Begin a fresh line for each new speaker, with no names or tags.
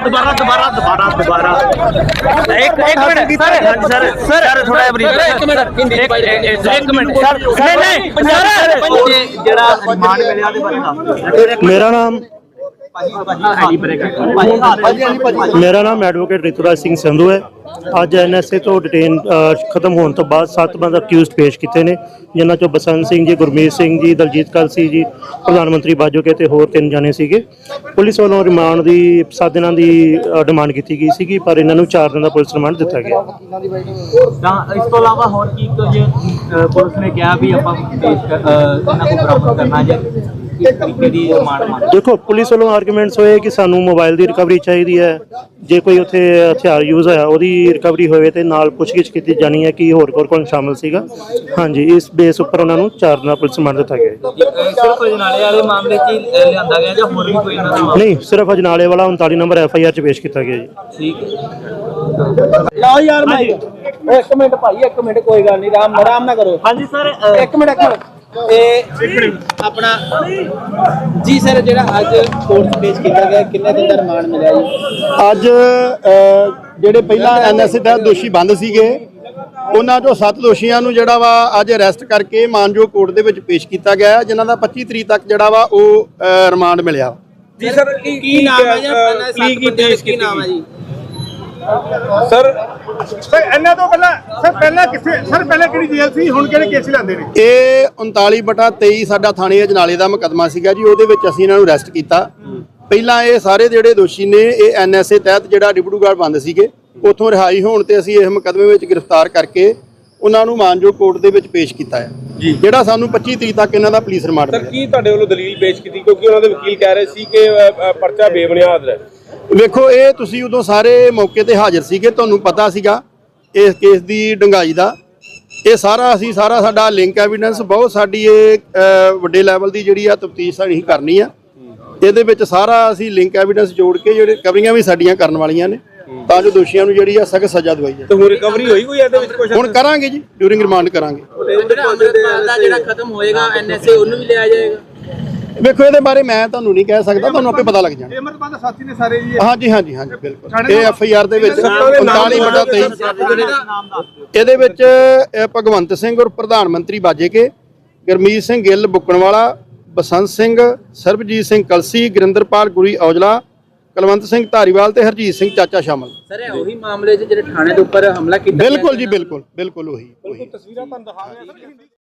दोबारा दोबारा दोबारा दोबारा एक मिनट सर सर सर थोड़ा एक मिनट सर नहीं जेड़ा रिमांड मिलिया दे बारे
मेरा नाम एडवोकेट रितुराज सिंह संधू है। ਅੱਜ NSA ਤੋਂ ਡਿਟੇਨ ਖਤਮ ਹੋਣ ਤੋਂ ਬਾਅਦ 7 ਬੰਦੇ ਅਕਿਊਜ਼ਡ ਪੇਸ਼ ਕੀਤੇ ਨੇ, ਜਿਨ੍ਹਾਂ ਚੋਂ ਬਸੰਤ ਸਿੰਘ ਜੀ, ਗੁਰਮੀਤ ਸਿੰਘ ਜੀ, ਦਲਜੀਤ ਕਲਸੀ ਜੀ, ਪ੍ਰਧਾਨ ਮੰਤਰੀ ਬਾਜੋਕੇ ਤੇ ਹੋਰ 3 ਜਾਣੇ ਸੀਗੇ। ਪੁਲਿਸ ਵੱਲੋਂ ਰਿਮਾਂਡ ਦੀ 7 ਦਿਨਾਂ ਦੀ ਡਿਮਾਂਡ ਕੀਤੀ ਗਈ ਸੀਗੀ, ਪਰ ਇਹਨਾਂ ਨੂੰ 4 ਦਿਨ ਦਾ ਪੁਲਿਸ ਰਿਮਾਂਡ ਦਿੱਤਾ ਗਿਆ।
ਤਾਂ ਇਸ ਤੋਂ ਇਲਾਵਾ ਹੋਰ ਕੀ ਕੁਝ ਪੁਲਿਸ ਨੇ ਕਿਹਾ ਵੀ ਆਪਾਂ ਪੇਸ਼ ਇਹਨਾਂ ਨੂੰ ਬਰਾਮਦ ਕਰਨਾ ਜਾਂ ਕਿਸ ਤਰੀਕੇ ਦੀ ਰਿਮਾਂਡ ਮੰਗ?
ਦੇਖੋ, ਪੁਲਿਸ ਵੱਲੋਂ ਆਰਗੂਮੈਂਟਸ ਹੋਏ ਕਿ ਸਾਨੂੰ ਮੋਬਾਈਲ ਦੀ ਰਿਕਵਰੀ ਚਾਹੀਦੀ ਹੈ, ਜੇ ਕੋਈ ਉੱਥੇ ਹਥਿਆਰ ਯੂਜ਼ ਹੋਇਆ ਉਹਦੀ ਰਿਕਵਰੀ ਹੋਵੇ ਤੇ ਨਾਲ ਪੁੱਛਗਿੱਛ ਕੀਤੀ ਜਾਣੀ ਹੈ ਕਿ ਹੋਰ ਕੌਣ ਸ਼ਾਮਲ ਸੀਗਾ। ਹਾਂਜੀ, ਇਸ ਬੇਸ ਉੱਪਰ ਉਹਨਾਂ ਨੂੰ 4 ਦਿਨਾਂ ਪੁਲਿਸ ਰਿਮਾਂਡ ਦਿੱਤਾ ਗਿਆ।
ਸਿਰਫ ਅਜਨਾਲੇ ਵਾਲੇ ਮਾਮਲੇ 'ਚ ਲਿਆਂਦਾ ਗਿਆ ਜਾਂ ਹੋਰ ਵੀ ਕੋਈ ਇਹਨਾਂ ਦਾ?
ਨਹੀਂ, ਸਿਰਫ ਅਜਨਾਲੇ ਵਾਲਾ 39 ਨੰਬਰ FIR 'ਚ ਪੇਸ਼ ਕੀਤਾ ਗਿਆ ਜੀ।
ਠੀਕ ਹੈ।
ਲਓ ਯਾਰ ਮੈਂ ਇੱਕ ਮਿੰਟ ਭਾਈ, ਇੱਕ ਮਿੰਟ, ਕੋਈ ਗੱਲ ਨਹੀਂ, ਆਰਾਮ ਨਾ ਕਰੋ।
ਹਾਂਜੀ ਸਰ,
ਇੱਕ ਮਿੰਟ ਆਪਣਾ ਜੀ ਸਰ, ਜਿਹੜਾ ਅੱਜ ਕੋਰਟ 'ਚ ਪੇਸ਼ ਕੀਤਾ ਗਿਆ, ਕਿੰਨੇ ਦਿਨ ਦਾ ਰਿਮਾਂਡ ਮਿਲਿਆ ਜੀ?
ਅੱਜ ਜਿਹੜੇ ਪਹਿਲਾਂ NSA ਤਹਿਤ ਦੋਸ਼ੀ ਬੰਦ ਸੀਗੇ, ਉਹਨਾਂ ਚੋਂ 7 ਦੋਸ਼ੀਆਂ ਨੂੰ ਜਿਹੜਾ ਵਾ ਅੱਜ ਅਰੈਸਟ ਕਰਕੇ ਮਾਨਯੋਗ ਕੋਰਟ ਦੇ ਵਿੱਚ ਪੇਸ਼ ਕੀਤਾ ਗਿਆ, ਜਿਨ੍ਹਾਂ ਦਾ 25 ਤਰੀਕ ਤੱਕ ਜਿਹੜਾ ਵਾ ਉਹ ਰਿਮਾਂਡ ਮਿਲਿਆ।
ਜੀ ਸਰ, ਕੀ ਨਾਮ ਹੈ ਜੀ? ਕੀ ਨਾਮ ਹੈ ਜੀ
ਸਰ ਇਹਨਾਂ ਤੋਂ ਪਹਿਲਾਂ ਕਿਹੜੀ ਜੇਲ੍ਹ ਸੀ, ਹੁਣ ਕਿਹੜੇ ਕੇਸ ਲੈਂਦੇ ਨੇ?
ਇਹ 39/23 ਸਾਡਾ ਥਾਣੇ ਅਜਨਾਲੇ ਦਾ ਮੁਕੱਦਮਾ ਸੀਗਾ ਜੀ, ਉਹਦੇ ਵਿੱਚ ਅਸੀਂ ਇਹਨਾਂ ਨੂੰ ਅਰੈਸਟ ਕੀਤਾ। ਪਹਿਲਾਂ ਇਹ ਸਾਰੇ ਜਿਹੜੇ ਦੋਸ਼ੀ ਨੇ ਇਹ NSA ਤਹਿਤ ਜਿਹੜਾ ਡਿਬੜੂਗੜ੍ਹ ਬੰਦ ਸੀਗੇ, ਉੱਥੋਂ ਰਿਹਾਈ ਹੋਣ ਤੇ ਅਸੀਂ ਇਸ ਮੁਕੱਦਮੇ ਵਿੱਚ ਗ੍ਰਿਫਤਾਰ ਕਰਕੇ ਉਹਨਾਂ ਨੂੰ ਮਾਨਯੋਗ ਕੋਰਟ ਦੇ ਵਿੱਚ ਪੇਸ਼ ਕੀਤਾ ਹੈ, ਜਿਹੜਾ ਸਾਨੂੰ 25 ਤਰੀਕ ਤੱਕ ਇਹਨਾਂ ਦਾ ਪੁਲਿਸ ਰਿਮਾਂਡ ਮਿਲਿਆ।
ਸਰ, ਕੀ ਤੁਹਾਡੇ ਵੱਲੋਂ ਦਲੀਲ ਪੇਸ਼ ਕੀਤੀ, ਕਿਉਂਕਿ ਉਹਨਾਂ ਦੇ ਵਕੀਲ ਕਹਿ ਰਹੇ ਸੀ ਕਿ ਪਰਚਾ ਬੇਬੁਨਿਆਦ ਹੈ?
ਵੇਖੋ, ਇਹ ਤੁਸੀਂ ਉਦੋਂ ਸਾਰੇ ਮੌਕੇ ਤੇ ਹਾਜ਼ਰ ਸੀਗੇ, ਤੁਹਾਨੂੰ ਪਤਾ ਸੀਗਾ ਇਸ ਕੇਸ ਦੀ ਡੂੰਘਾਈ ਦਾ। ਇਹ ਸਾਰਾ ਸਾਡਾ ਲਿੰਕ ਐਵੀਡੈਂਸ ਬਹੁਤ ਸਾਡੀ ਇਹ ਵੱਡੇ ਲੈਵਲ ਦੀ ਜਿਹੜੀ ਆ ਤਫਤੀਸ਼ ਸਾਡੀ ਕਰਨੀ ਆ। ਇਹਦੇ ਵਿੱਚ ਸਾਰਾ ਅਸੀਂ ਲਿੰਕ ਐਵੀਡੈਂਸ ਜੋੜ ਕੇ ਜਿਹੜੇ ਰਿਕਵਰੀਆਂ ਵੀ ਸਾਡੀਆਂ ਕਰਨ ਵਾਲੀਆਂ ਨੇ, ਤਾਂ ਜੋ ਦੋਸ਼ੀਆਂ ਨੂੰ ਜਿਹੜੀ ਆ ਸਖਤ ਸਜ਼ਾ ਦਵਾਈ ਜਾਵੇ।
ਤੇ ਹੁਣ ਰਿਕਵਰੀ ਹੋਈ ਕੋਈ ਇਹਦੇ ਵਿੱਚ ਕੁਝ?
ਹੁਣ ਕਰਾਂਗੇ ਜੀ, ਡਿਊਰਿੰਗ ਰਿਮਾਂਡ ਕਰਾਂਗੇ।
ਜਿਹੜਾ ਖਤਮ ਹੋਏਗਾ NSA, ਉਹਨੂੰ ਵੀ ਲਿਆ ਜਾਏਗਾ?
ਵੇਖੋ, ਇਹਦੇ ਬਾਰੇ ਮੈਂ ਤੁਹਾਨੂੰ ਨਹੀਂ ਕਹਿ ਸਕਦਾ, ਤੁਹਾਨੂੰ ਆਪੇ ਪਤਾ ਲੱਗ ਜਾਣਾ।
ਅਮਰਪਾਲ ਸਾਥੀ ਨੇ ਸਾਰੇ ਜੀ?
ਹਾਂਜੀ ਬਿਲਕੁਲ। ਇਹ FIR ਦੇ ਵਿੱਚ 39/23 ਇਹਦੇ ਵਿੱਚ ਭਗਵੰਤ ਸਿੰਘ ਔਰ ਪ੍ਰਧਾਨ ਮੰਤਰੀ ਬਾਜੇਕੇ, ਗੁਰਮੀਤ ਸਿੰਘ ਗਿੱਲ ਬੁੱਕਣਵਾਲਾ, ਬਸੰਤ ਸਿੰਘ, ਸਰਬਜੀਤ ਸਿੰਘ ਕਲਸੀ, ਗੁਰਿੰਦਰਪਾਲ ਗੁਰੀ ਔਜਲਾ, ਕੁਲਵੰਤ ਸਿੰਘ ਧਾਰੀਵਾਲ ਤੇ ਹਰਜੀਤ ਸਿੰਘ ਚਾਚਾ ਸ਼ਾਮਲ।
ਸਰ, ਇਹ ਉਹੀ ਮਾਮਲੇ 'ਚ ਜਿਹੜੇ ਥਾਣੇ ਦੇ ਉੱਪਰ ਹਮਲਾ ਕੀਤਾ?
ਬਿਲਕੁਲ ਜੀ, ਬਿਲਕੁਲ ਉਹੀ।
ਤਸਵੀਰਾਂ ਤੁਹਾਨੂੰ ਦਿਖਾ ਰਹੇ ਹਾਂ।